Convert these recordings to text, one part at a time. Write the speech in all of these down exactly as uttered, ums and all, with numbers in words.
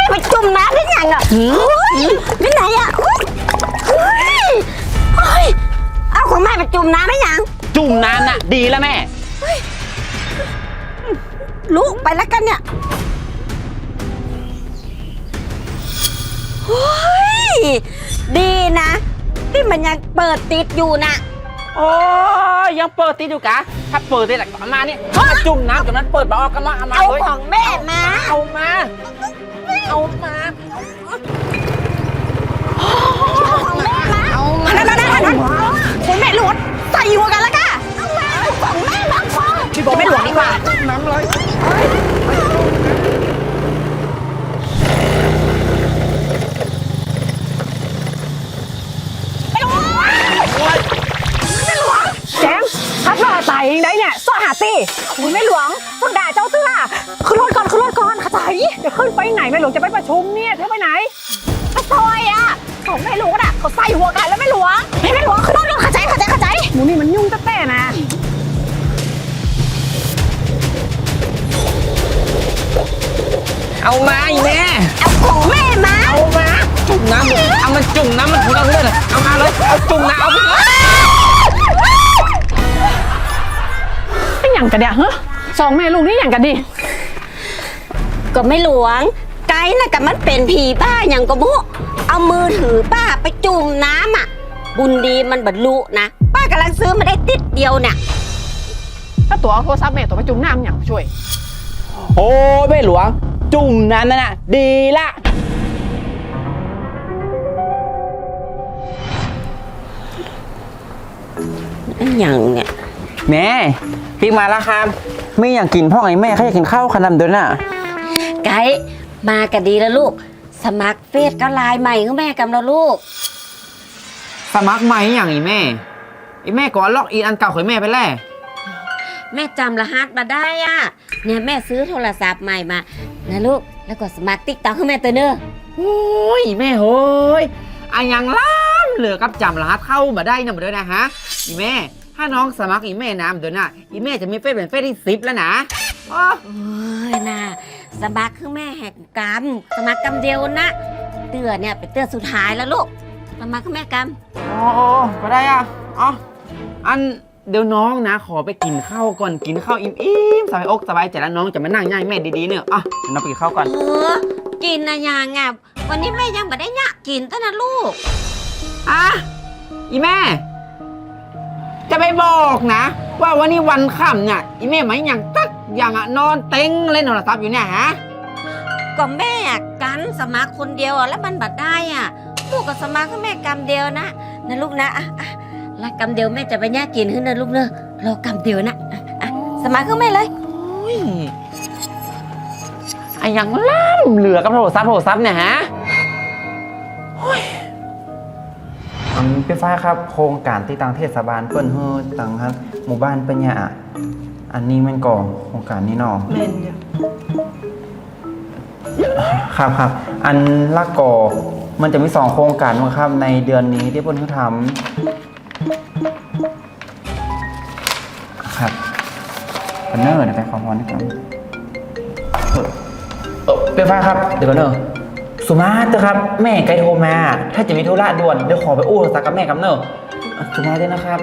ม่ไปจุ่มน้ำได้ยังอ่ะไปไหนอ่ะเอาของแม่ไปจุ่มน้ำได้ยังจุ่มน้ำน่ะดีแล้วแม่ลูกไปแล้วกันเนี่ยดีนะที่มันยังเปิดติดอยู่นะโอ้ยังเปิดติดอยู่กะถ้าเปิดติดหลักมาเนี่ยจุ่มน้ำจากนั้นเปิดบออกกันมาเอามาเอาของแม่มาเอามาเอามาของแม่มาเอามานั่นนั่นนั่นคุณแม่หลวงใส่หัวกันแล้วกันเอามาของแม่มาพ่อพี่บอกแม่หลวงดีกว่าน้ำเลยแจงถ้าพ่อตายเองได้เนี่ยสหาตีคุณแม่หลวงต้องด่าเจ้าเสื้อขึ้นรถก่อนขึ้นรถก่อนข้าใจจะขึ้นไปไหนแม่หลวงจะไปประชุมเนี่ยเธอไปไหนก็ซอยอ่ะของแม่หลวงอ่ะเขาใส่หัวกันแล้วแม่หลวงแม่หลวงขึ้นรถก่อนข้าใจข้าใจข้าใจหมูนี่มันยุ่งแต่ๆนะเอามาอีแม่เอาของแม่มาเอามาจุ่มน้ำเอามันจุ่มน้ำมันถูกเอาเลยเอามาเลยเอาจุ่มน้ำเอาไปเลยไม่อย่างกันเดียวฮะสองแม่ลูกนี่อย่างกันดิก็ไม่หลวงไกด์น่ะกับมันเป็นผีบ้าอย่างก็มุเอามือถือป้าไปจุ่มน้ำอ่ะบุญดีมันบรรลุนะป้ากำลังซื้อมาได้ติดเดียวเนี่ยถ้าตัวเอาโทรศัพท์แม่ตัวไปจุ่มน้ำอย่างช่วยโอ้แม่หลวงจุ่มน้ำนั่นน่ะดีละอย่างเนี่ยแม่พี่มาแล้วครับไม่อยากกินพ่อไอ้แม่เขาอยากกินข้าวขนมเดินน่ะไกด์มากันดีแล้วลูกสมัครเฟซก็ไลน์ใหม่ของแม่กำแล้วลูกสมัครใหม่อย่างอีแม่ไอ้แม่ก่อนล็อกอินอันเก่าของแม่ไปแล้วแม่จำรหัสมาได้อ่ะเนี่ยแม่ซื้อโทรศัพท์ใหม่มานะลูกแล้วก็สมัครติ๊กต็อกให้แม่ตัวเนอะโอ้ยแม่โหยอันยังล้ำเหลือกับจำรหัสเข้ามาได้นะมาด้วยนะฮะอีแม่ถ้าน้องสมัครอีแม่น้ำเดี๋ยวน่ะอีแม่จะมีเฟซเป็นเฟซที่สิบแล้วนะโอ้ยน่ะสมัครคือแม่แหกกรรมสมัครกรรมเดียวนะเตือนเนี่ยเป็นเตือนสุดท้ายแล้วลูกสมัครคือแม่กรรมอ๋อก็ได้อ่ะอ๋ออันเดี๋ยวน้องนะขอไปกินข้าวก่อนกินข้าวอิ่มๆสบายอกสบายใจแล้วน้องจะมานั่งย่ายแม่ดีๆเนี่ยอ่ะเดี๋ยวน้องไปกินข้าวก่อนเออกินนะยังไงวันนี้แม่ยังไม่ได้เนี่ยกินตั้งนะลูกอ่ะอีแม่จะไปบอกนะว่าวันนี้วันค่ำเนี่ยอีแม่ไม่อย่างตักอย่างอะนอนเต็งเล่นโทรศัพท์อยู่เนี่ยฮะก็แม่กันสมัครคนเดียวแล้วมันบัดได้อ่ะลูกกับสมัครก็แม่กรรมเดียวนะนะลูกนะอ่ะอ่ะแล้วกรรมเดียวแม่จะไปแย่กินขึ้นนะลูกเนอะรอกรรมเดียวนะอ่ะอ่ะสมัครก็แม่เลยไอ้ยังล่ำเหลือกับโทรศัพท์โทรศัพท์เนี่ยฮะพี่ฟ้าครับโครงการที่ทางเทศบาลเปิ้นเฮือต่างครับหมู่บ้านปัญญาอันนี้มันก่อโครงการนี้เนาะเล่นครับครับอันละก่อมันจะมีสองโครงการนะครับในเดือนนี้ที่เปิ้นเพิ่งทำครับเป็นเนอร์นะไปขอพรนะครับเออเออพี่ฟ้าครับเดี๋ยวก่อนเนอะสุมาเตอร์ครับแม่ไกลโทรมาถ้าจะมีธุระด่วนเดี๋ยวขอไปอู้สักกับแม่กับเนอะสุมาด้วยนะครับ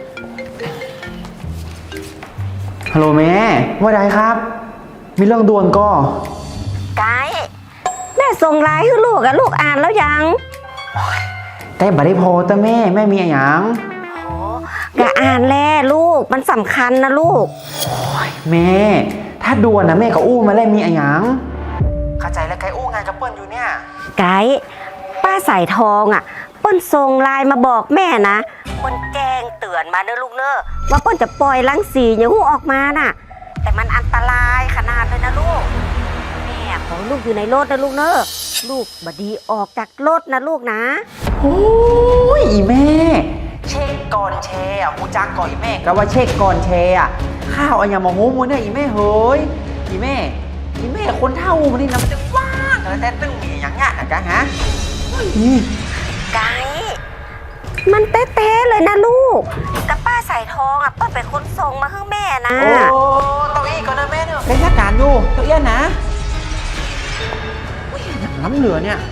ฮัลโหลแม่ว่าไงครับมีเรื่องด่วนก็ไกแม่ส่งไลน์ให้ลูกอะลูกอ่านแล้วยังแต่บัดได้พอแต่แม่แม่มีอะไรยังก็อ่านแล้วลูกมันสำคัญนะลูกแม่ถ้าด่วนนะแม่ก็อู้มาแล้วมีอะไรยังเข้าใจแล้วไกอู้งานกับเปิ้ลอยู่เนี่ยไกป้าสายทองอ่ะเปิ้ลส่งไลน์มาบอกแม่นะเปิ้ลแจ้งเตือนมาเนอะลูกเนอะว่าเปิ้ลจะปล่อยรังสีอย่างหูออกมาน่ะแต่มันอันตรายขนาดเลยนะลูกแม่ขอลูกอยู่ในรถนะลูกเนอะลูกบดีออกจากรถนะลูกนะโอ้ยแม่เช็คก่อนแชร์อ่ะกูจักก่อนอีแม่ก็ว่าเช็คก่อนแชร์อ่ะข้าวอันยามาโฮมูเนี่ยอีแม่เฮ้ยอีแม่อีแม่คนเท่ามันนี่นะมันจะว่างแต่แต่ตึ้งมีอย่างเงี้ยนะจ๊ะฮะไกมันเต้ๆเลยนะลูกกับป้าใส่ทองอ่ะป้าเป็นคนส่งมาให้แม่นะโอ้ตัวอี้ก่อนนะแม่เนอะเป็นราชการอยู่ตัวเอี้ยนะล้ำเหลือเนี่ย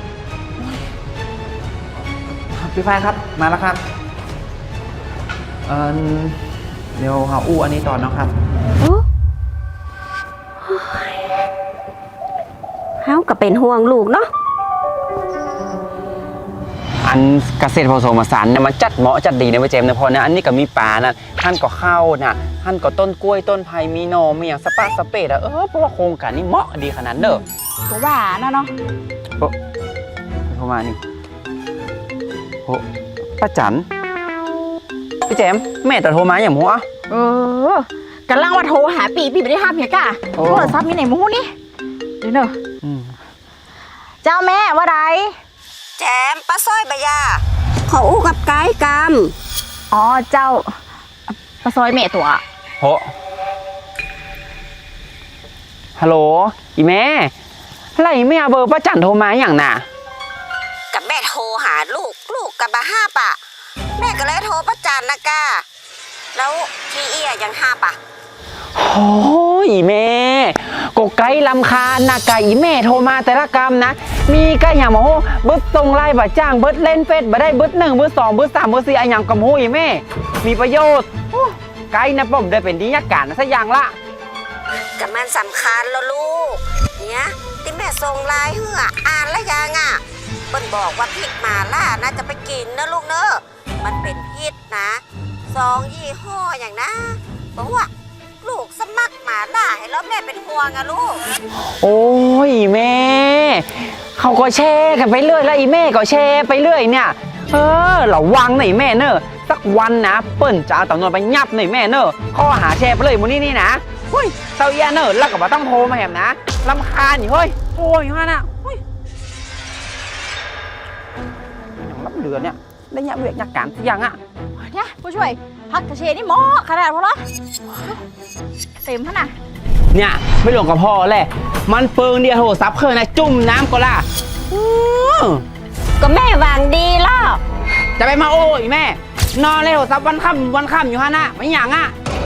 ครับพี่ฝ้ายครับมาแล้วครับเออเดี๋ยวหาอู้อันนี้ต่อนะครับเฮาก็เป็นห่วงลูกเนาะอันเกษตรผสมผสานเนี่ยมันจัดเหมาะจัดดีในประเจมนะพอนะอันนี้ก็มีป่านะท่านก็เข้านะท่านก็ต้นกล้วยต้นไผ่มีหนอมีอย่างสปาสเปดอะเออเพราะว่าโครงการนี้เหมาะดีขนาดเด้อก็ว่านะเนาะโทรมานี่โอ้ป้าจันพี่แจมแม่แต่โทรมาอย่างหัวเออกำลังว่าโทรหาปีปีไม่ได้ห้ามเฮียก้าโอ้โทรศัพท์มีไหนมูนี่เดี๋ยวเนอะอืมเจ้าแม่ว่าไรแจมป้าซ้อยบะยาขออู้กับไกด์กรรมอ๋อเจ้าปลาซอยแม่ตัวโหฮัลโหลอีแม่ไรแม่เอาเบอร์ป้าจันโทรมาอย่างน่ะกับแม่โทรหาลูกลูกกับบะห้าปะแม่ก็เลยโทรประจันนะก้าแล้วทีเอียยังห้าปะโอ้ยแม่กไก่ลำคาญนะไก่แม่โทรมาแต่ละกรรมนะ มีก็อย่างมาโหเบิดส่งไลน์บ่จ้างเบิดเล่นเฟซบ่ได้เบิดหนึ่งเบิดสองเบิดสามเบิดสี่อะอย่างกับโหยแม่ มีประโยชน์โอ้ไก่นะป้อมได้เป็นดียักการนะสักอย่างละกับมันสำคัญแล้วลูกเนี่ยที่แม่ส่งไลน์เหืออ่านแล้วยังอ่ะเปิ้นบอกว่าพริกหมาล่านะจะไปกินนะลูกเนอะมันเป็นพิษนะสองยี่ห้ออย่างนะบอกว่าลูกสมัครหมาล่าให้แล้วแม่เป็นห่วงอะลูกโอ้ยแม่เขาก็แชร์กันไปเรื่อยแล้วอีแม่ก็แชร์ไปเรื่อยเนี่ยเออระวังหน่อยแม่เนอะสักวันนะเปิ้นจะเอาตำนวนไปยับหน่อยแม่เนอะข้อหาแชร์ไปเลยมูนี่นี่นะเฮ้ยเตาเอียเนอะแล้วก็บ่ต้องโทรมาแหมนะรำคาญอยู่เฮ้ยโอ้ยฮะน่ะเฮ้ยอย่างรับเหลือเนี่ยได้ยับเวียกยักการทุกอย่างอะเนี่ยผู้ช่วยพักกระเชนี่หมอขนาดพอละเต็มขนาดเนี่ยไม่หลงกับพ่อแหละมันเปิงเดียวโทรศัพท์เครื่องนะจุ่มน้ำก็ล่ะอื้อก็แม่วางดีแล้วจะไปมาโอ้ยแม่ นอนเลยโทรศัพท์วันค่ำวันค่ำอยู่ฮะน่ะไม่หยังอ่ะ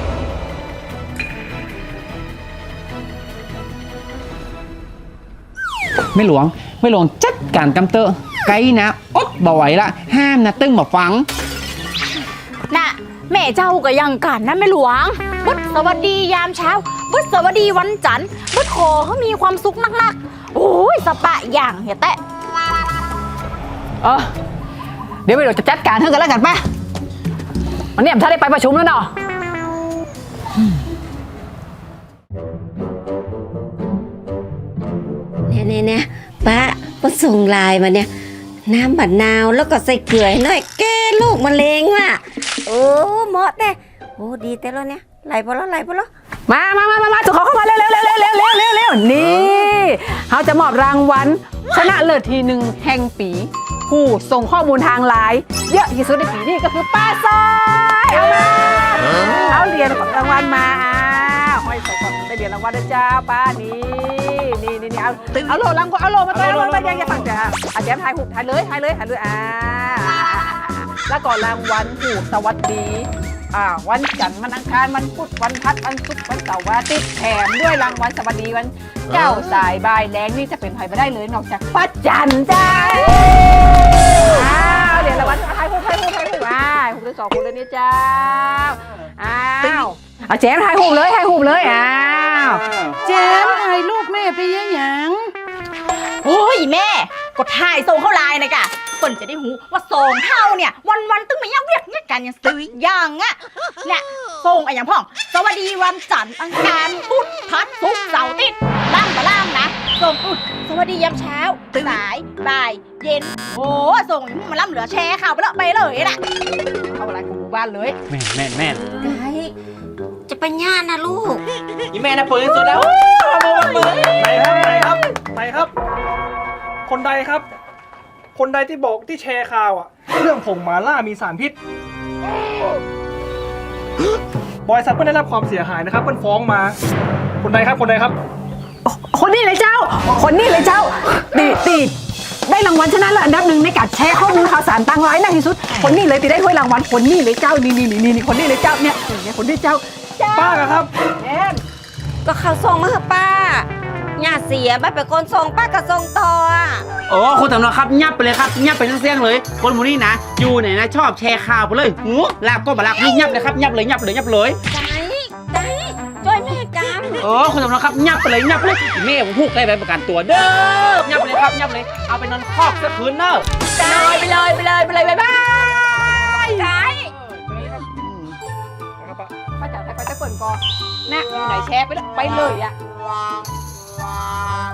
ไม่หลวงไม่หลวงจัดการกำเตอร์ไกด์นะอดบ่ไหวละห้ามนะตึ้งมาฟังน่ะแม่เจ้าก็ยังกันนะแม่หลวงบึดสวัสดียามเช้าบึดสวัสดีวันจันทร์บึดขอเขามีความสุขนักๆโอ้ยสปะอย่างเหี้ยแตะเออเดี๋ยวไปเราจะจัดการเท่ากันแล้วกันป่ะวันนี้ผมถ้าได้ไปประชุมแล้วเนาะเนี่ยเนี่ยเนี่ยป้าป้าส่งไลน์มาเนี่ยน้ำบัดนาวแล้วก็ใส่เกลือให้หน่อยแก้โรคมะเร็งว่ะโอ้เหมาะเด้โอ้ดีแต่แล้วเนี่ยไหลพอแล้วไหลพอแล้วมามามามามาจุกเขาเข้ามาเร็วเร็วเร็วเร็วเร็วเร็วเร็วเร็วนี่เขาจะมอบรางวัลชนะเลิศทีหนึ่งแห่งปี ผู้ส่งข้อมูลทางไลน์เยอะที่สุดในปีนี้ก็คือป้าซอยเอามาเอาเหรียญรางวัลมาอ้าวห้อยใส่ก่อนได้เหรียญรางวัลนะจ้าป้านี่นี่นี่นี่เอาเอาโลรางวัลเอาโลมาตัวเอาโลมายังยังฝั่งจ้าอาจารย์ถ่ายหุบถ่ายเลยถ่ายเลยถ่ายเลยอ่าแล้วก่อนรางวัลผูกสวัสดีอ่าวันจันทร์วันอังคารวันพุธวันพัดวันศุกร์วันเสาร์วันอาทิตย์แถมด้วยรางวัลสวัสดีวันเจ้าสายบายแรงนี่จะเป็นใครไม่ได้เลยนอกจากป้าจันจ้าอ้าวเดี๋ยวรางวัลไทยพูดไทยพูดไทยพูดมาหุบเลยสองคนเลยนี่เจ้าอ้าวเอาแจมถ่ายหุบเลยถ่ายหุบเลยอ้าวแจมถ่ายรูปแม่ไปยังหยังโอ้ยแม่กดถ่ายส่งเข้าไลน์นะกะเปิ่นจะได้หูว่าส่งเท่าเนี่ยวันวันๆตึ้งมายังเวียกเนี่ยกันยังซื้ออย่างอ่ะเนี่ยส่งอะไรอย่างพ่องสวัสดีวันจันทร์อังคารพุธพัดศุกร์เสาร์อาทิตย์ล่างมาล่างนะส่งอุดสวัสดียามเช้าสายบ่ายเย็นโอ้ส่งอย่างนี้มันล่ำเหลือแชร์ข่าวไปเลยไปเลยน่ะเข้าอะไรของหมู่บ้านเลยแม่นแม่นแม่นไกด์จะไปย่านนะลูกอีแม่นะเปิดสุดแล้วมาเปิดไหนครับไหนครับไหนครับ คนใดครับ คนใดที่บอกที่แชร์ข่าวอ่ะ เรื่องผงหมาล่ามีสารพิษ บริษัทเพิ่งได้รับความเสียหายนะครับเพิ่งฟ้องมา คนใดครับคนใดครับคนนี้เลยเจ้า คนนี้เลยเจ้าตีตีได้รางวัลชนะเลิศอันดับหนึ่งในการแชร์ข้อมูลข่าวสารต่างไลน์มากที่สุด คนนี้เลยตีได้ถ้วยรางวัลคนนี้เลยเจ้านี่นี่นี่นี่คนนี้เลยเจ้าเนี่ยเนี่ยคนนี้เจ้าป้าครับแอนก็เขาส่งมาเหอะป้าย่าเสียไม่เป็นคนส่งป้าก็ส่งต่ออะโอ้คุณตำรวจครับยับไปเลยครับยับไปทั้งเสียงเลย คนหมูนี่นะอยู่ไหนนะชอบแชร์ข่าวไปเลยหูลากก็บลากนี่ยับเลยครับยับเลยยับเลยยับเลยได้ได้ช่วยแม่กันโอ้คุณตำรวจครับยับไปเลยยับเลยแม่ผมพูดได้ใบประกันตัวเด้อยับเลยครับยับเลยเอาไปนอนคอกสักคืนเนอะไปเลยไปเลยไปเลยไปเลยบ๊ายบายได้ป้าจ๋าไปไปตะเปิ่นก่อนนะอยู่ไหนแชร์ไปเลยไปเลยอ่ะ